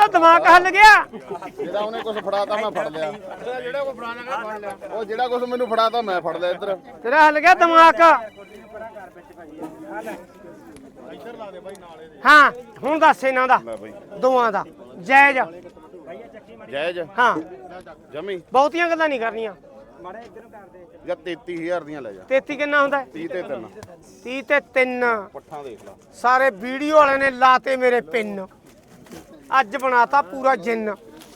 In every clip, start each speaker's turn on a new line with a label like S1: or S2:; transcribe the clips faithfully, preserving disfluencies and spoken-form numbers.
S1: ਉਹਦਾ ਦਿਮਾਗ ਹੱਲ ਗਿਆ।
S2: ਜਿਹੜਾ ਉਹਨੇ ਕੁਝ ਫੜਾਤਾ ਮੈਂ ਫੜ ਲਿਆ, ਜਿਹੜਾ ਕੋ ਫੜਾਣਾ ਫੜ ਲਿਆ, ਉਹ ਜਿਹੜਾ ਕੁਝ ਮੈਨੂੰ ਫੜਾਤਾ ਮੈਂ ਫੜ ਲਿਆ। ਇੱਧਰ
S1: ਤੇਰਾ ਹੱਲ ਗਿਆ ਦਿਮਾਗ। ਹਾਂ ਹੁਣ ਦੱਸ ਇਹਨਾਂ ਦਾ ਦੋਵਾਂ ਦਾ ਜਾਇਜ਼
S2: ਜਾਇਜ਼
S1: ਹਾਂ
S2: ਜਮੀ
S1: ਬਹੁਤੀਆਂ ਗੱਲਾਂ ਨਹੀਂ ਕਰਨੀਆਂ।
S2: ਜਾਂ ਤੇਤੀ ਹਜ਼ਾਰ ਦੀਆਂ ਲੈ ਜਾ।
S1: ਤੇਤੀ ਕਿੰਨਾ ਹੁੰਦਾ?
S2: ਤੀਹ ਤੇ ਤਿੰਨ
S1: ਤੀਹ ਤੇ ਤਿੰਨ।
S2: ਪੱਠਾਂ ਦੇਖ ਲਾ
S1: ਸਾਰੇ ਵੀਡੀਓ ਵਾਲੇ ਨੇ ਲਾਤੇ ਮੇਰੇ ਪਿੰਨ, ਅੱਜ ਬਣਾਤਾ ਪੂਰਾ ਜਿੰਨ।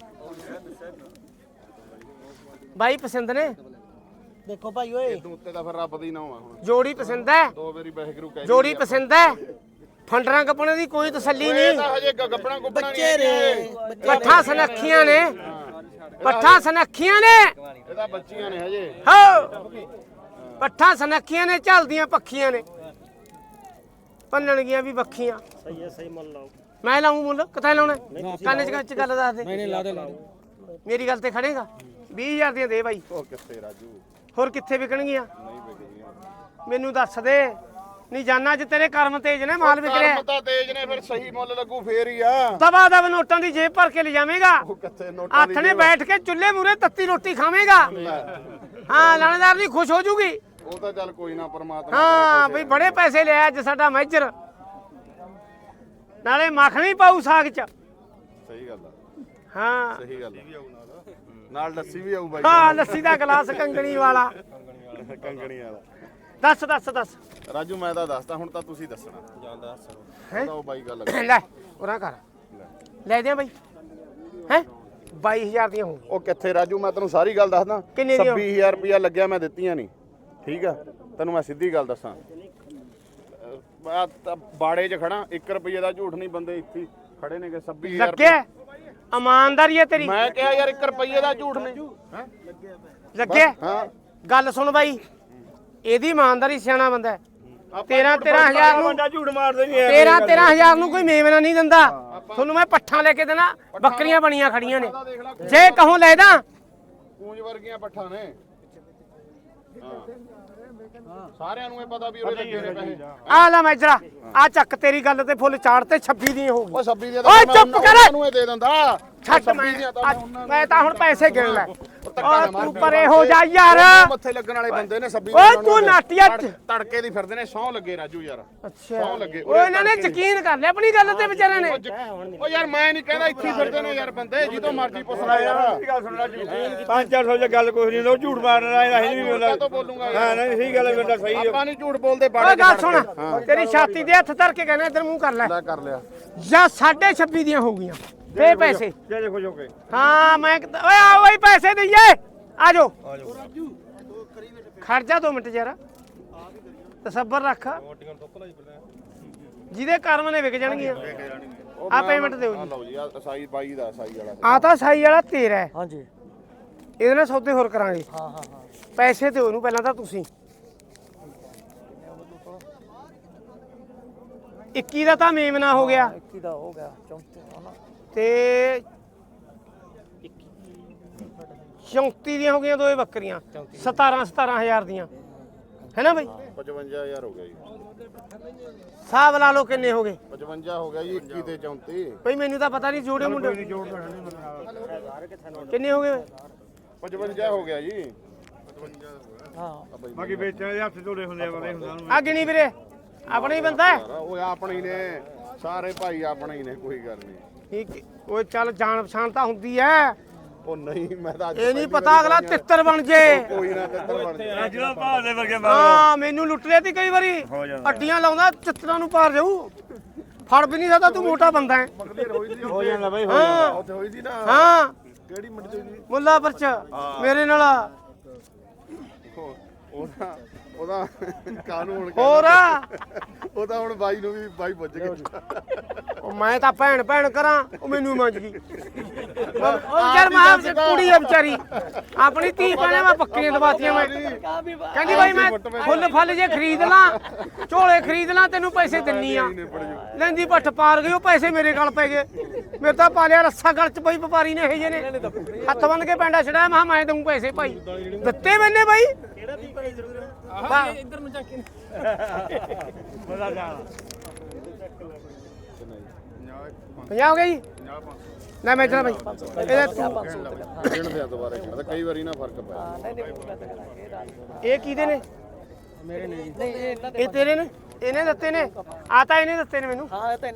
S1: ਬਾਈ ਪਸੰਦ ਨੇ?
S3: ਦੇਖੋ ਭਾਈ ਓਏ
S2: ਇਦੋਂ ਉੱਤੇ ਤਾਂ ਫਿਰ ਰੱਬ ਦੀ ਨਾਮ ਆ। ਹੁਣ
S1: ਜੋੜੀ ਪਸੰਦ ਹੈ?
S2: ਦੋ ਵਾਰੀ ਵਾਹਿਗੁਰੂ ਕਹਿ
S1: ਜੋੜੀ ਪਸੰਦ ਹੈ? ਫੰਡਰਾਂ ਕੱਪਣੇ ਦੀ ਕੋਈ ਤਸੱਲੀ ਨਹੀਂ।
S2: ਹਜੇ ਗੱਬਣਾ ਗੁੱਬਣਾ
S3: ਬੱਚੇ ਰੇ
S1: ਪੱਠਾਂ ਸਨੱਖੀਆਂ ਨੇ, ਪੱਠਾਂ ਸਨੱਖੀਆਂ ਨੇ।
S2: ਇਹਦਾ ਬੱਚੀਆਂ ਨੇ ਹਜੇ।
S1: ਹੋ ਪੱਠਾਂ ਸਨੱਖੀਆਂ ਨੇ, ਝਲਦੀਆਂ ਪੱਖੀਆਂ ਨੇ, ਪੰਨਣਗੀਆਂ ਵੀ ਬੱਖੀਆਂ।
S3: ਸਹੀ ਹੈ ਸਹੀ ਮੁੱਲ ਲਾਓ।
S1: ਮੈਂ ਲਾਉਂ ਮੁੱਲ ਕਿੱਥੇ ਲਾਉਣਾ? ਕੰਨ ਚ ਚ ਗੱਲ ਦੱਸ ਦੇ।
S3: ਨਹੀਂ ਨਹੀਂ ਲਾ ਦੇ ਲਾ ਦੇ।
S1: ਮੇਰੀ ਗੱਲ ਤੇ ਖੜੇਗਾ? ਵੀਹ ਹਜ਼ਾਰ ਦੀਆਂ ਦੇ ਬਾਈ।
S2: ਉਹ ਕਿੱਥੇ ਰਾਜੂ,
S1: ਹੋਰ ਕਿੱਥੇ ਵਿਕਣਗੀਆਂ?
S2: ਨਹੀਂ ਵਿਕਦੀਆਂ।
S1: ਮੈਨੂੰ ਦੱਸ ਦੇ। ਨਹੀਂ ਜਾਨਾ ਅੱਜ ਤੇਰੇ ਕਰਮ ਤੇਜ ਨੇ, ਮਾਲ ਵਿਕ ਰਿਹਾ।
S2: ਕਰਮ ਤਾਂ ਤੇਜ ਨੇ, ਫਿਰ ਸਹੀ ਮੁੱਲ ਲੱਗੂ ਫੇਰ ਹੀ ਆ।
S1: ਦਵਾ ਦਵ ਨੋਟਾਂ ਦੀ ਜੇਬ ਭਰ ਕੇ ਲੈ ਜਾਵੇਂਗਾ।
S2: ਉਹ ਕਿੱਥੇ ਨੋਟਾਂ ਦੀ
S1: ਹੱਥ ਨੇ ਬੈਠ ਕੇ ਚੁੱਲ੍ਹੇ ਮੂਰੇ ਤੱਤੀ ਰੋਟੀ ਖਾਵੇਂਗਾ। ਹਾਂ ਲਾਣੇਦਾਰ ਨਹੀਂ ਖੁਸ਼ ਹੋ ਜੂਗੀ।
S2: ਉਹ ਤਾਂ ਚੱਲ ਕੋਈ ਨਾ, ਪਰਮਾਤਮਾ
S1: ਹਾਂ ਬਈ ਬੜੇ ਪੈਸੇ ਲਿਆ ਅੱਜ ਸਾਡਾ ਮੈਜਰ, ਨਾਲੇ ਮੱਖਣੀ ਪਾਉ ਸਾਗ ਚ।
S2: ਸਹੀ ਗੱਲ ਆ,
S1: ਹਾਂ
S2: ਸਹੀ ਗੱਲ ਆ। ਨਾਲ ਲੱਸੀ ਵੀ ਆਊ ਬਾਈ।
S1: ਹਾਂ ਲੱਸੀ ਦਾ ਗਲਾਸ ਕੰਗਣੀ ਵਾਲਾ।
S2: ਕੰਗਣੀ ਵਾਲਾ।
S1: ਦੱਸ ਦੱਸ ਦੱਸ
S2: ਰਾਜੂ ਮੈਂ ਤਾਂ ਦੱਸਦਾ, ਹੁਣ ਤਾਂ ਤੁਸੀਂ ਦੱਸਣਾ। ਜਾਂ ਦੱਸ
S1: ਹੈਂ?
S2: ਉਹ ਬਾਈ ਗੱਲ
S1: ਲੈ ਉਰਾ ਕਰ ਲੈ ਦਿਆਂ ਬਾਈ। ਹੈ ਬਾਈ ਹਜ਼ਾਰ ਦੀਆਂ ਹੋ।
S2: ਉਹ ਕਿੱਥੇ ਰਾਜੂ, ਮੈਂ ਤੈਨੂੰ ਸਾਰੀ ਗੱਲ ਦੱਸਦਾ।
S1: ਕਿੰਨੇ ਦੀਆਂ?
S2: ਛੱਬੀ ਹਜ਼ਾਰ ਰੁਪਇਆ ਲੱਗਿਆ, ਮੈਂ ਦਿੱਤੀਆਂ ਨਹੀਂ। ਠੀਕ ਆ, ਤੈਨੂੰ ਮੈਂ ਸਿੱਧੀ ਗੱਲ ਦੱਸਾਂ। ਮੈਂ ਤਾਂ ਬਾੜੇ 'ਚ ਖੜਾ, ਇੱਕ ਰੁਪਏ ਦਾ ਝੂਠ ਨਹੀਂ। ਬੰਦੇ ਇੱਥੇ ਖੜੇ ਨੇਗੇ। ਛੱਬੀ ਹਜ਼ਾਰ
S1: ਲੱਗਿਆ ਇਮਾਨਦਾਰੀ ਹੈ ਤੇਰੀ।
S2: ਮੈਂ ਕਿਹਾ ਯਾਰ ਇੱਕ ਰੁਪਏ ਦਾ ਝੂਠ ਨਹੀਂ। ਹੈਂ?
S1: ਲੱਗਿਆ
S2: ਹਾਂ
S1: ਗੱਲ ਸੁਣ ਬਾਈ, ਇਹਦੀ ਇਮਾਨਦਾਰੀ ਸਿਆਣਾ ਬੰਦਾ ਹੈ। ਤੇਰਾਂ ਤੇਰਾਂ ਹਜ਼ਾਰ ਨੂੰ
S2: ਝੂਠ ਮਾਰਦੇ ਨਹੀਂ।
S1: ਤੇਰਾਂ ਤੇਰਾਂ ਹਜ਼ਾਰ ਨੂੰ ਕੋਈ ਮੇਵਨਾ ਨਹੀਂ ਦਿੰਦਾ। ਤੁਹਾਨੂੰ ਮੈਂ ਪੱਠਾਂ ਲੈ ਕੇ ਦੇਣਾ, ਬੱਕਰੀਆਂ ਬਣੀਆਂ ਖੜੀਆਂ ਨੇ। ਜੇ ਕਹੋ ਲੈ ਦਾਂ,
S2: ਪੂੰਜ ਵਰਗੀਆਂ ਪੱਠਾਂ ਨੇ। ਸਾਰਿਆਂ ਨੂੰ ਇਹ ਪਤਾ ਵੀ ਉਹਦੇ ਲੱਗੇ ਨੇ ਪੈਸੇ।
S1: ਆ ਲੈ ਮੈਜਰਾ, ਆ ਚੱਕ ਤੇਰੀ ਗੱਲ ਤੇ ਫੁੱਲ ਚਾੜ ਤੇ ਛੱਬੀ ਦੀ ਹੋ ਗਈ।
S2: ਉਹ ਛੱਬੀ ਦੀਆਂ
S1: ਓਏ ਚੁੱਪ ਕਰ।
S2: ਉਹਨੂੰ ਇਹ ਦੇ ਦਿੰਦਾ।
S1: ਛੱਡ ਮੈਂ ਮੈਂ ਤਾਂ ਹੁਣ ਪੈਸੇ ਗਿਣ ਲੈ। ਓਏ ਤੂੰ ਪਰੇ ਹੋ ਜਾ ਯਾਰ।
S2: ਮੱਥੇ ਲੱਗਣ ਵਾਲੇ ਬੰਦੇ ਨੇ ਛੱਬੀ।
S1: ਓਏ ਤੂੰ ਨਾਟੀਆ ਚ
S2: ਤੜਕੇ ਦੀ ਫਿਰਦੇ ਨੇ। ਸੌ ਲੱਗੇ ਰਾਜੂ ਯਾਰ।
S1: ਅੱਛਾ
S2: ਸੌ ਲੱਗੇ।
S1: ਓਏ ਇਹਨਾਂ ਨੇ ਯਕੀਨ ਕਰ ਲਿਆ ਆਪਣੀ ਗੱਲ ਤੇ ਵਿਚਾਰਿਆਂ ਨੇ।
S2: ਓ ਯਾਰ ਮੈਂ ਨਹੀਂ ਕਹਿੰਦਾ, ਇੱਥੇ ਫਿਰਦੇ ਨੇ ਯਾਰ ਬੰਦੇ, ਜਿੱਦੋਂ ਮਰਜ਼ੀ ਪੁੱਛ ਲੈ ਯਾਰ।
S4: ਗੱਲ ਸੁਣ ਰਾਜੂ, ਪੰਜ ਚਾਰ ਸੌ ਦੀ ਗੱਲ ਕੋਈ ਨਹੀਂ, ਉਹ ਝੂਠ ਮਾਰਨਾ ਇਹ ਨਹੀਂ ਮਿਲਦਾ।
S2: ਤੋਂ ਬੋਲੂਗਾ
S4: ਹਾਂ ਨਹੀਂ ਸਹੀ ਗੱਲ ਹੈ, ਮੇਰਾ ਸਹੀ ਹੈ।
S2: ਆਪਾਂ ਨਹੀਂ ਝੂਠ ਬੋਲਦੇ।
S1: ਓਏ
S2: ਬਾੜੇ
S1: ਗੱਲ ਸੁਣ, ਤੇਰੀ ਛਾਤੀ ਦੇ ਹੱਥ ਧਰ ਕੇ ਕਹਿੰਦਾ ਇੱਧਰ ਮੂੰਹ ਕਰ ਲੈ।
S2: ਲੈ ਕਰ ਲਿਆ।
S1: ਜਾਂ ਸਾਢੇ ਛੱਬੀ ਦੀਆਂ ਹੋ ਗਈਆਂ ਤੇ ਪੈਸੇ।
S4: ਜੇ ਜੇ ਖੁਸ਼ ਹੋ ਕੇ
S1: ਹਾਂ ਮੈਂ ਓਏ ਆ ਓਏ ਪੈਸੇ ਦਈਏ। ਆ ਜਾਓ ਖੜ ਜਾ ਦੋ ਮਿੰਟ ਯਾਰ, ਤਸੱਬਰ ਰੱਖ। ਜਿਹਦੇ ਕਰਮ ਨੇ ਵਿਕ ਜਾਣਗੀਆਂ। ਆ ਪੇਮੈਂਟ ਦਿਓ ਜੀ।
S2: ਲਓ ਜੀ, ਆ ਸਾਈ ਬਾਈ ਦਾ, ਸਾਈ ਵਾਲਾ।
S1: ਆ ਤਾਂ ਸਾਈ ਵਾਲਾ ਤੇਰਾ ਹੈ।
S3: ਹਾਂਜੀ
S1: ਇਹਦੇ ਨਾਲ ਸੌਦੇ ਹੋਰ ਕਰਾਂਗੇ।
S3: ਹਾਂ ਹਾਂ ਹਾਂ
S1: ਪੈਸੇ ਦਿਓ ਉਹਨੂੰ ਪਹਿਲਾਂ ਤਾਂ ਤੁਸੀਂ। ਇੱਕੀ ਦਾ ਤਾਂ ਮੇਮਨਾ ਹੋ ਗਿਆ
S3: ਇੱਕੀ ਦਾ ਹੋ ਗਿਆ ਚੌਂਤੀ ਹਨਾ
S1: ਤੇ ਚੌਂਤੀ ਦੀਆਂ ਹੋ ਗਈਆਂ ਦੋਏ ਬੱਕਰੀਆਂ। ਸਤਾਰਾਂ ਸਤਾਰਾਂ ਹਜ਼ਾਰ ਦੀਆਂ ਹੈ ਨਾ ਬਈ?
S2: ਪਚਵੰਜਾ ਹਜ਼ਾਰ ਹੋ ਗਿਆ ਜੀ।
S1: ਹਿਸਾਬ ਲਾ ਲਓ ਕਿੰਨੇ ਹੋ ਗਏ।
S2: ਪਚਵੰਜਾ ਹੋ ਗਿਆ ਜੀ। ਇੱਕੀ ਤੇ ਚੌਂਤੀ।
S1: ਬਈ ਮੈਨੂੰ ਤਾਂ ਪਤਾ ਨਹੀਂ ਜੋੜੇ ਮੁੰਡੇ ਕਿੰਨੇ ਹੋ ਗਏ।
S2: ਪਚਵੰਜਾ ਹੋ ਗਿਆ ਜੀ।
S3: ਹਾਂ
S4: ਬਾਕੀ ਵੇਚਣ ਦੇ ਹੱਥ ਧੋਲੇ ਹੁੰਦੇ ਆ, ਵਾਲੇ ਹੁੰਦਾ
S1: ਆ ਗਿਣੀ ਵੀਰੇ, ਆਪਣਾ ਹੀ ਬੰਦਾ ਹੈ।
S2: ਉਹ ਆਪਣੇ ਹੀ ਨੇ, ਸਾਰੇ ਭਾਈ ਆਪਣੇ ਹੀ ਨੇ, ਕੋਈ ਗੱਲ ਨਹੀਂ।
S1: ਠੀਕ ਓਏ ਚੱਲ ਜਾਣ ਪਛਾਣ ਤਾਂ ਹੁੰਦੀ ਐ।
S2: ਉਹ ਨਹੀਂ, ਮੈਂ ਤਾਂ ਅੱਜ
S1: ਇਹ ਨਹੀਂ ਪਤਾ ਅਗਲਾ ਤਿੱਤਰ ਬਣ ਜੇ।
S2: ਕੋਈ ਨਾ ਤਿੱਤਰ ਬਣ ਜਾ।
S4: ਜਿਹੜਾ ਭਾਅ ਦੇ ਵਰਗੇ
S1: ਹਾਂ ਮੈਨੂੰ ਲੁੱਟ ਲਿਆ ਤੀ ਕਈ ਵਾਰੀ। ਅੱਡੀਆਂ ਲਾਉਂਦਾ ਚਿੱਤਰਾਂ ਨੂੰ ਪਾਰ ਜਾਊ। ਫੜ ਵੀ ਨਹੀਂ ਸਕਦਾ, ਤੂੰ ਮੋਟਾ ਬੰਦਾ ਹੈ।
S4: ਹੋ ਜਾਂਦਾ ਬਈ।
S1: ਹਾਂ
S2: ਉੱਥੇ ਹੋਈ ਸੀ ਨਾ।
S1: ਹਾਂ
S2: ਕਿਹੜੀ ਮੰਡੀ ਦੀ?
S1: ਮੁੱਲਾ ਪਰਚ ਮੇਰੇ ਨਾਲ
S2: ਉਹਦਾ ਉਹਦਾ ਕਾਨੂੰਨ
S1: ਹੋਰ
S2: ਉਹਦਾ ਹੁਣ ਬਾਈ ਨੂੰ ਵੀ ਬਾਈ ਪੁੱਜ ਗਿਆ।
S1: ਉਹ ਮੈਂ ਤਾਂ ਭੈਣ ਭੈਣ ਕਰਾਂ, ਉਹ ਮੈਨੂੰ ਮੰਜ ਗਈ। ਉਹ ਯਾਰ ਮਾਂ ਕੁੜੀ ਆ ਵਿਚਾਰੀ, ਆਪਣੀ ਧੀ ਪਾਣੇ ਮੈਂ ਬੱਕਰੀਆਂ ਦਵਾਤੀਆਂ। ਮੈਂ ਕਹਿੰਦੀ ਬਾਈ ਮੈਂ ਫੁੱਲ ਫਲ ਜੇ ਖਰੀਦ ਲਾਂ, ਝੋਲੇ ਖਰੀਦ ਲਾਂ, ਤੈਨੂੰ ਪੈਸੇ ਦਿੰਨੀ ਆ। ਲੈਂਦੀ ਪੱਠ ਪਾਰ ਗਈ, ਉਹ ਪੈਸੇ ਮੇਰੇ ਗਲ ਪੈ ਗਏ। ਮੇਰੇ ਤਾਂ ਪਾਲਿਆ ਰੱਸਾ ਗਲ ਚ ਪਈ ਵਪਾਰੀ ਨੇ ਇਹ ਜੇ ਨੇ ਹੱਥ ਬੰਨ ਕੇ ਪੈਂਡਾ ਛੜਾਇਆ। ਮੈਂ ਮੈਂ ਦਊਂ ਪੈਸੇ ਭਾਈ, ਦਿੱਤੇ ਮੈਨੇ ਬਾਈ।
S3: ਇੱਧਰ ਨੂੰ ਚੱਕ ਕੇ
S1: ਪੰਜਾਹ ਹੋ ਗਏ ਜੀ। ਲੈ ਮੈਂ ਚਲਾ ਬਾਈ ਇਹਦਾ ਤੂੰ
S2: ਗਿਣ ਦੇ ਦੁਬਾਰਾ ਗਿਣ ਕਈ ਵਾਰੀ ਨਾ ਫਰਕ ਪਿਆ
S3: ਹਾਂ ਨਹੀਂ ਨਹੀਂ ਮੈਂ ਤਾਂ ਕਰਾਂਗੇ ਇਹ ਰਾਜ
S1: ਇਹ ਕਿਹਦੇ ਨੇ
S3: ਮੇਰੇ ਨੇ ਨਹੀਂ ਇਹ ਇਹਨਾਂ ਦੇ
S1: ਇਹ ਤੇਰੇ ਨੇ ਇਹਨੇ ਦਿੱਤੇ ਨੇ ਆ ਤਾਂ ਇਹਨੇ ਦਿੱਤੇ ਨੇ ਮੈਨੂੰ
S3: ਹਾਂ ਇਹ ਤਾਂ